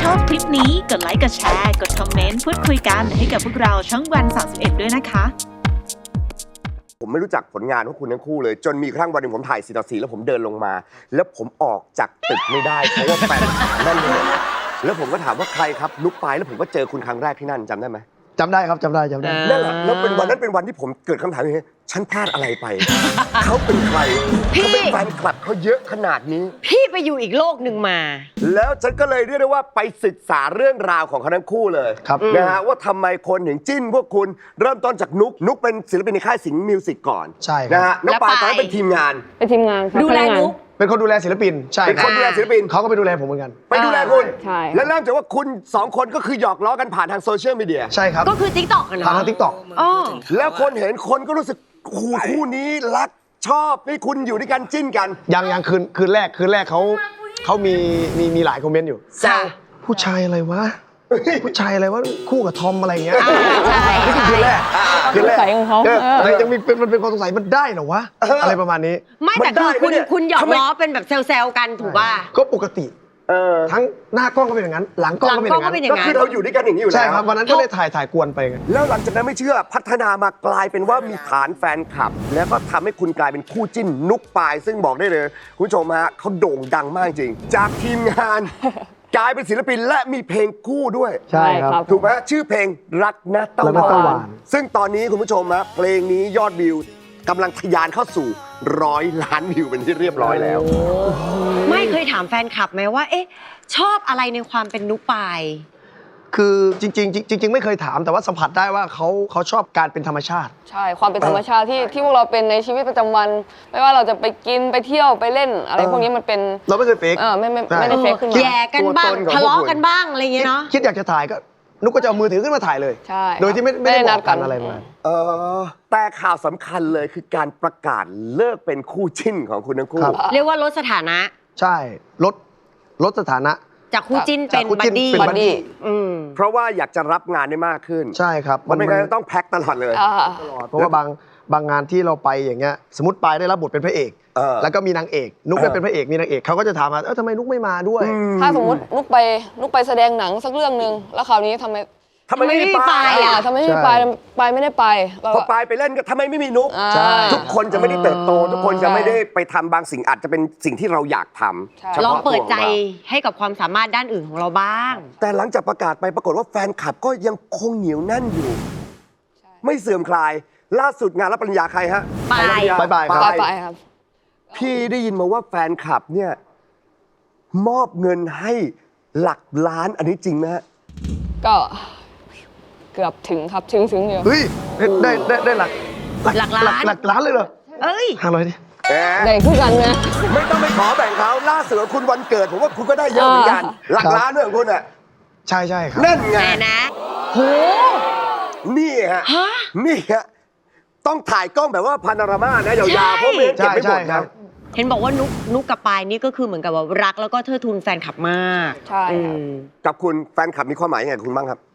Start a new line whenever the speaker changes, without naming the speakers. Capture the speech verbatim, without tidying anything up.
ชอบคลิปนี้กดไลค์กดแชร์กดคอมเมนต์พูดคุยกันให้กับพวกเราช่องวันสามสิบเอ็ดด้วยนะคะ
ผมไม่รู้จักผลงานของคุณทั้งคู่เลยจนมีครั้งวันหนึ่งผมถ่ายสี่ต่อสี่แล้วผมเดินลงมา แล้วผมออกจากตึกไม่ได้เพราะว่าแฟนนั่นเลยแล้วผมก็ถามว่าใครครับนุ๊กปายแล้วผมก็เจอคุณครั้งแรกที่นั่นจำได้ไหม
จำได้ครับจำได้จำได้
นั่นแหละแล้วเป็นวันนั้นเป็นวันที่ผมเกิดคำถามอย่างนี้ฉันพลาดอะไรไป เขาเป็นใครเขาเป็นแฟนคลับเขาเยอะขนาดนี้
พี่ไปอยู่อีกโลกหนึ่งมา
แล้วฉันก็เลยเรียกได้ว่าไปศึกษาเรื่องราวของเขาทั้งคู่เลยนะฮะว่าทำไมคนถึงจิ้นพวกคุณเริ่มต้นจากนุ๊กนุ๊กเป็นศิลปินในค่ายสิงห์มิวสิกก่อน
ใช่
นะฮะน้องปายตอนนั้นเป็นทีมงาน
เป็นทีมงาน
ดูแลนุ๊ก
เป็นคนดูแลศิลปินใช่
เป็นคนดูแลศิลปิน
เขาก็ไปดูแลผมเหมือนกัน
ไปดูแลคุณ
ใช่
แล้วเริ่มจากว่าคุณสองคนก็คือหยอกล้อกันผ่านทางโซเชียลมีเดีย
ใช่ครับ
ก็คือ ติ๊กต็อก กันเนาะ
ผ่านทาง ติ๊กต็อก
อ๋อ
แล้วคนเห็นคนก็รู้สึกคู่คู่นี้รักชอบนี่คุณอยู่ด้วยกันจิ้นกัน
ยังยังคืนคืนแรกคืนแรกเขาเขามีมีมีหลายคอมเมนต์อยู่
แซว
ผู้ชายอะไรวะผู้ชายอะไรวะคู่กับทอมอะไรเงี้ย
นี่
คือคืนแรก
คืนแรกของเขา
ยังมีเป็นมันเป็นความสงสัยมันได้เหรอวะอะไรประมาณนี้
ไม่แต่คือคุณคุณหยอกล้อเป็นแบบแซวๆกันถูกป่ะ
ก็ปกติทั้งหน้ากล้องก็เป็นอย่างนั้นหลังกล้องก็เป็นอย่างนั้น
ก็คือเราอยู่ด้วยกันอย่างนี้อยู่แล้ว
ใช่ครับวันนั้นก็เลยถ่ายถ่ายกวนไปไง
แล้วหลังจากนั้นไม่เชื่อพัฒนามากลายเป็นว่ามีฐานแฟนคลับแล้วก็ทำให้คุณกลายเป็นคู่จิ้นนุ๊กปายซึ่งบอกได้เลยคุณผู้ชมฮะเขาโด่งดังมากจริงจากทีมงานกลายเป็นศิลปินและมีเพลงคู่ด้วย
ใช่ครับ
ถูกไหมชื่อเพลงรักนะตะวันซึ่งตอนนี้คุณผู้ชมฮะเพลงนี้ยอดวิวกำลังทะยานเข้าสู่ร้อยล้านวิวเป็นที่เรียบร้อยแล้ว
ไม่เคยถามแฟนคลับไหมว่าเอ๊ะชอบอะไรในความเป็นนุ๊กปาย
คือจริงๆจริงๆไม่เคยถามแต่ว่าสัมผัสได้ว่าเขาเขาชอบการเป็นธรรมชาติ
ใช่ความเป็นธรรมชาติที่ที่พวกเราเป็นในชีวิตประจำวันไม่ว่าเราจะไปกินไปเที่ยวไปเล่นอะไรพวกนี้มันเป็น
เราไม่เคยเฟก
เออไม่ไม่ไม่ได้เฟกขึ้นมา
แย่กันบ้างทะเลาะกันบ้างอะไรอย่างเงี้ยเนาะ
คิดอยากจะถ่ายก็นุ๊กก็จะเอามือถือขึ้นมาถ่ายเลย
ใช่
โดยที่ไม่ไม่ได้นัดกันอะไรมา
เออแต่ข่าวสำคัญเลยคือการประกาศเลิกเป็นคู่จิ้นของคุณทั้งคู่
เรียกว่าลดสถานะ
ใช่ลดลดสถานะ
จากคู่จิ้นเป็นบัดดี้
บัดดี้
เพราะว่าอยากจะรับงานได้มากขึ้น
ใช่ครับ
มันไม่งั้นต้องแพ็คตลอดเลย
ตลอดเพราะว่าบางบางงานที่เราไปอย่างเงี้ยสมมติปายได้รับบทเป็นพระเอกแล้วก็มีนางเอกนุ๊กได้เป็นพระเอกมีนางเอกเขาก็จะถามมาเออทำไมนุ๊กไม่มาด้วย
ถ้าสมมตินุ๊กไปนุ๊กไปแสดงหนังสักเรื่องนึงแล้วคราวนี้ทำไม
ทำไมไม่ไป
อ่ะทำไมไม่ไปไปไม่ได้ไป
พอไปไปเล่นก็ทำไมไม่มีนุ๊กทุกคนจะไม่ได้เติบโตทุกคนจะไม่ได้ไปทำบางสิ่งอาจจะเป็นสิ่งที่เราอยากทำ
ลองเปิดใจให้กับความสามารถด้านอื่นของเราบ้าง
แต่หลังจากประกาศไปปรากฏว่าแฟนคลับก็ยังคงเหนียวแน่นอยู่ไม่เสื่อมคลายล่าสุดงานรับปริญญาใครฮะ
ปาย
บายบาย
ครับ
พี่ได้ยินมาว่าแฟนคลับเนี่ยมอบเงินให้หลักล้านอันนี้จริงไหมฮะ
ก็เกือบถึงครับถึงถึงเดียว
เฮ้ยได้ได้ได้หลัก
หลักล้าน
หลักล้านเลยเหรอ
เอ้ย
ห้าร้อยดิ
แบ่งคู่กันนะ
ไม่ต้องไปขอแบ่งเขาล่าสุดคุณวันเกิดผมว่าคุณก็ได้เยอะเหมือนกันหลักล้านด้วยของคุณอ่ะ
ใช่ใช่ครับ
นั่นไง
นะโห
นี่ฮะนี่ฮะต้องถ่ายกล้องแบบว่าพาโนรามานะยาวๆเพราะไม่เก็บไม่หมดครับ
เห็นบอกว่านุ๊กนุ๊กกับปายนี่ก็คือเหมือนกับว่ารักแล้วก็เทิดทูนแฟนคลับมาก
ใช่
กับคุณแฟนคลับมีความหมายยังไงคุณบ้างครับ